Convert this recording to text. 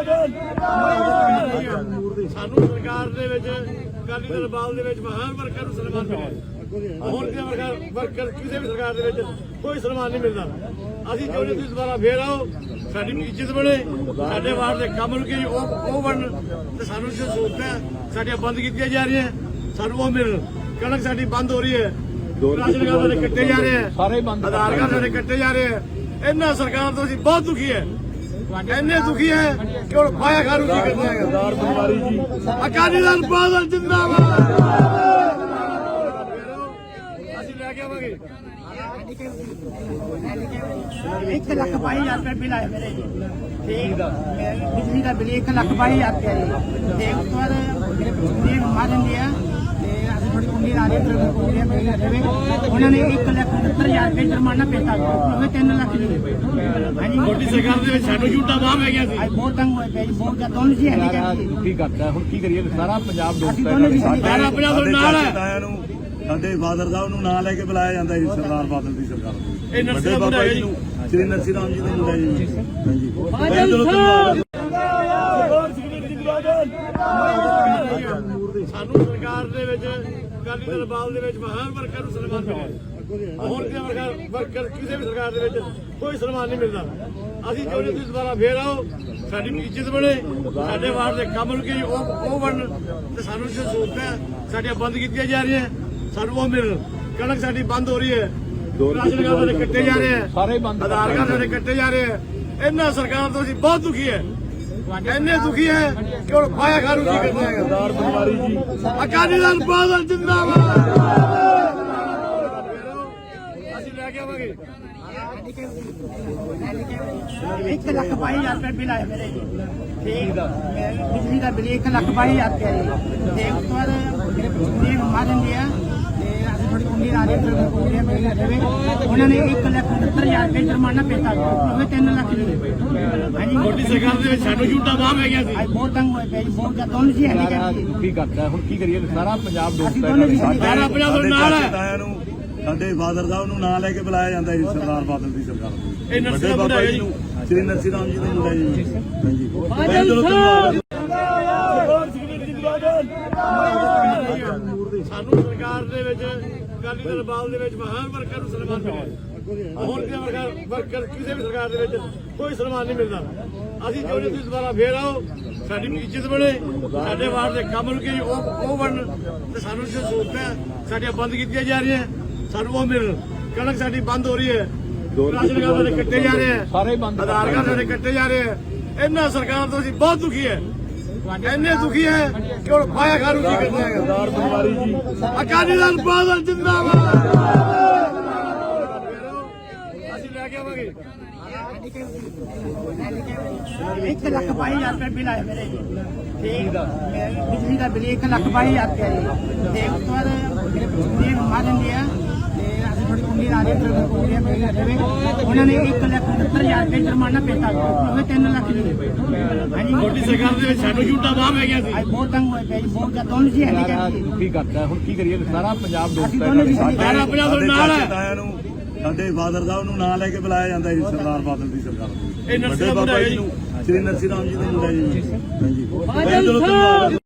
ਸਾਨੂੰ ਸਰਕਾਰ ਦੇ ਵਿੱਚ ਅਕਾਲੀ ਦਲ ਬਾਲ ਦੇ ਵਿੱਚ ਮਹਾਨ ਵਰਕਰ ਨੂੰ ਸਨਮਾਨ ਮਿਲਿਆ। ਹੋਰ ਕਿਸੇ ਵਰਕਰ ਕਿਸੇ ਵੀ ਸਰਕਾਰ ਦੇ ਵਿੱਚ ਕੋਈ ਸਨਮਾਨ ਨਹੀਂ ਮਿਲਦਾ। ਅਸੀਂ ਚਾਹੁੰਦੇ ਤੁਸੀਂ ਦੁਬਾਰਾ ਫੇਰ ਆਓ, ਸਾਡੀ ਇੱਜ਼ਤ ਬਣੇ, ਸਾਡੇ ਵਾਰਡ ਦੇ ਕੰਮ ਰੁਕੇ ਉਹ ਬਣਨ ਤੇ ਸਾਨੂੰ ਜੋ ਸਹੂਲਤਾਂ ਸਾਡੀਆਂ ਬੰਦ ਕੀਤੀਆਂ ਜਾ ਰਹੀਆਂ ਸਾਨੂੰ ਉਹ ਮਿਲਣ। ਕਣਕ ਸਾਡੀ ਬੰਦ ਹੋ ਰਹੀ ਹੈ, ਰਾਸ਼ਨ ਕਾਰਡ ਸਾਡੇ ਕੱਟੇ ਜਾ ਰਹੇ ਆ, ਆਧਾਰ ਕਾਰਡ ਸਾਡੇ ਕੱਟੇ ਜਾ ਰਹੇ ਆ। ਇਹਨਾਂ ਸਰਕਾਰ ਤੋਂ ਅਸੀਂ ਬਹੁਤ ਦੁਖੀ ਹੈ, ਇੰਨੇ ਦੁਖੀ ਹੈ ਕਿ ਹੁਣ ਪਾਇਆ ਖਾਰੂ ਕੀ ਕਰਨਾ ਹੈ। ਸਰਦਾਰ ਬੁਖਾਰੀ ਜੀ ਅਕਾਲੀ ਦਲ ਬਾਦਲ ਜਿੰਦਾਬਾਦ। ਅਸੀਂ ਲੈ ਕੇ ਆਵਾਂਗੇ 1,22,000 रुपये बिल आया मेरे ठीक बिजली का बिल 1,22,000 रुपया जी। ते उस बाद मेरे माजन दिया थोड़ी उम्मीद आ रही है उन्होंने 1,69,000 रुपये जुर्माना पेता 3 लाख ਮੋਦੀ ਸਰਕਾਰ ਦੇ ਵਿੱਚ ਸਾਨੂੰ ਝੂਠਾ ਬਾਹ ਪੈ ਗਿਆ ਸੀ। बहुत तंग हुए पे बहुत दोनों जी है ਕੀ ਕਰਦਾ ਹੁਣ ਕੀ ਕਰੀਏ ਸਾਰਾ ਪੰਜਾਬ ਸਾਰਾ ਪੰਜਾਬ ਦੇ ਨਾਲ ਹੈ। ਸਾਡੇ ਫਾਦਰ ਸਾਹਿਬ ਨੂੰ ਨਾਂ ਲੈ ਕੇ ਬੁਲਾਇਆ ਜਾਂਦਾ ਜੀ ਸਰਦਾਰ ਬਾਦਲ ਦੀ ਸਰਕਾਰ ਨੂੰ। ਇਹ ਨਰਸੀ ਦਾ ਮੁੰਡਾ ਹੈ ਜੀ, ਸ਼੍ਰੀ ਨਰਸੀ ਰਾਮ ਜੀ ਦਾ ਮੁੰਡਾ ਜੀ। ਸਾਨੂੰ ਸਰਕਾਰ ਦੇ ਵਿੱਚ ਅਕਾਲੀ ਦਲ ਬਾਲ ਦੇ ਵਿੱਚ ਮਹਾਨ ਵਰਕਰ ਨੂੰ ਸਨਮਾਨ ਮਿਲਿਆ। ਹੋਰ ਕਿਸੇ ਵਰਕਰ ਕਿਸੇ ਵੀ ਸਰਕਾਰ ਦੇ ਵਿੱਚ ਕੋਈ ਸਨਮਾਨ ਨਹੀਂ ਮਿਲਦਾ। ਅਸੀਂ ਚਾਹੁੰਦੇ ਤੁਸੀਂ ਦੁਬਾਰਾ ਫੇਰ ਆਓ, ਸਾਡੀ ਇੱਜ਼ਤ ਬਣੇ, ਸਾਡੇ ਵਾਰਡ ਦੇ ਕੰਮ ਰੁਕੇ ਉਹ ਬਣਨ ਤੇ ਸਾਨੂੰ ਜੋ ਸਹੂਲਤਾਂ ਸਾਡੀਆਂ ਬੰਦ ਕੀਤੀਆਂ ਜਾ ਰਹੀਆਂ ਸਾਨੂੰ ਉਹ ਮਿਲਣ। ਕਣਕ ਸਾਡੀ ਬੰਦ ਹੋ ਰਹੀ ਹੈ, ਰਾਸ਼ਨ ਕਾਰਡ ਸਾਡੇ ਕੱਟੇ ਜਾ ਰਹੇ ਆ, ਆਧਾਰ ਕਾਰਡ ਸਾਡੇ ਕੱਟੇ ਜਾ ਰਹੇ ਆ। ਇਹਨਾਂ ਸਰਕਾਰ ਤੋਂ ਅਸੀਂ ਬਹੁਤ ਦੁਖੀ ਹੈ, ਇੰਨੇ ਦੁਖੀ ਹੈ ਕਿ ਹੁਣ ਪਾਇਆ ਖਾਰੂ ਕੀ ਕਰਨਾ ਹੈ। ਸਰਦਾਰ ਬੁਖਾਰੀ ਜੀ ਅਕਾਲੀ ਦਲ ਬਾਦਲ ਜਿੰਦਾਬਾਦ। ਅਸੀਂ ਲੈ ਕੇ ਆਵਾਂਗੇ 1,22,000 रुपये बिल आया मेरे ठीक बिजली का बिल 1,22,000 रुपया जी। ते उस बाद मेरे माजन दिया थोड़ी उम्मीद आ रही है उन्होंने 1,69,000 रुपये जुर्माना पेता 3 लाख ਮੋਦੀ ਸਰਕਾਰ ਦੇ ਵਿੱਚ ਸਾਨੂੰ ਝੂਠਾ ਬਾਹ ਪੈ ਗਿਆ ਸੀ। बहुत तंग हुए पे बहुत दोनों जी है ਕੀ ਕਰਦਾ ਹੁਣ ਕੀ ਕਰੀਏ ਸਾਰਾ ਪੰਜਾਬ ਸਾਰਾ ਪੰਜਾਬ ਦੇ ਨਾਲ ਹੈ। ਸਾਡੇ ਫਾਦਰ ਸਾਹਿਬ ਨੂੰ ਨਾਂ ਲੈ ਕੇ ਬੁਲਾਇਆ ਜਾਂਦਾ ਜੀ ਸਰਦਾਰ ਬਾਦਲ ਦੀ ਸਰਕਾਰ ਨੂੰ। ਇਹ ਨਰਸੀ ਦਾ ਮੁੰਡਾ ਹੈ ਜੀ, ਸ਼੍ਰੀ ਨਰਸੀ ਰਾਮ ਜੀ ਦਾ ਮੁੰਡਾ ਜੀ। ਸਾਨੂੰ ਸਰਕਾਰ ਦੇ ਵਿੱਚ ਅਕਾਲੀ ਦਲ ਬਾਲ ਦੇ ਵਿੱਚ ਮਹਾਨ ਵਰਕਰ ਨੂੰ ਸਨਮਾਨ ਮਿਲਿਆ। ਹੋਰ ਕਿਸੇ ਵਰਕਰ ਕਿਸੇ ਵੀ ਸਰਕਾਰ ਦੇ ਵਿੱਚ ਕੋਈ ਸਨਮਾਨ ਨਹੀਂ ਮਿਲਦਾ। ਅਸੀਂ ਚਾਹੁੰਦੇ ਤੁਸੀਂ ਦੁਬਾਰਾ ਫੇਰ ਆਓ, ਸਾਡੀ ਇੱਜ਼ਤ ਬਣੇ, ਸਾਡੇ ਵਾਰਡ ਦੇ ਕੰਮ ਰੁਕੇ ਉਹ ਬਣਨ ਤੇ ਸਾਨੂੰ ਜੋ ਸਹੂਲਤਾਂ ਸਾਡੀਆਂ ਬੰਦ ਕੀਤੀਆਂ ਜਾ ਰਹੀਆਂ ਸਾਨੂੰ ਉਹ ਮਿਲਣ। ਕਣਕ ਸਾਡੀ ਬੰਦ ਹੋ ਰਹੀ ਹੈ, ਰਾਸ਼ਨ ਕਾਰਡ ਸਾਡੇ ਕੱਟੇ ਜਾ ਰਹੇ ਆ, ਆਧਾਰ ਕਾਰਡ ਸਾਡੇ ਕੱਟੇ ਜਾ ਰਹੇ ਆ। ਇਹਨਾਂ ਸਰਕਾਰ ਤੋਂ ਅਸੀਂ ਬਹੁਤ ਦੁਖੀ ਹੈ, ਇੰਨੇ ਦੁਖੀ ਹੈ ਕਿ ਹੁਣ ਪਾਇਆ ਖਾਰੂ ਕੀ ਕਰਨਾ ਹੈ। ਸਰਦਾਰ ਬੁਖਾਰੀ ਜੀ ਅਕਾਲੀ ਦਲ ਬਾਦਲ ਜਿੰਦਾਬਾਦ। ਅਸੀਂ ਲੈ ਕੇ ਆਵਾਂਗੇ 1,22,000 रुपये बिल आया मेरे ठीक बिजली का बिल 1,22,000 रुपया जी। ते उस बाद मेरे माजन दिया थोड़ी उम्मीद आ रही है उन्होंने 1,69,000 रुपये जुर्माना पेता 3 लाख ਮੋਦੀ ਸਰਕਾਰ ਦੇ ਵਿੱਚ ਸਾਨੂੰ ਝੂਠਾ ਬਾਹ ਪੈ ਗਿਆ ਸੀ। बहुत तंग हुए पे बहुत दोनों जी है ਕੀ ਕਰਦਾ ਹੁਣ ਕੀ ਕਰੀਏ ਸਾਰਾ ਪੰਜਾਬ ਸਾਰਾ ਪੰਜਾਬ ਦੇ ਨਾਲ ਹੈ। ਸਾਡੇ ਫਾਦਰ ਸਾਹਿਬ ਨੂੰ ਨਾਂ ਲੈ ਕੇ ਬੁਲਾਇਆ ਜਾਂਦਾ ਜੀ ਸਰਦਾਰ ਬਾਦਲ ਦੀ ਸਰਕਾਰ ਨੂੰ। ਇਹ ਨਰਸੀ ਦਾ ਮੁੰਡਾ ਹੈ ਜੀ, ਸ਼੍ਰੀ ਨਰਸੀ ਰਾਮ ਜੀ ਦਾ ਮੁੰਡਾ ਜੀ।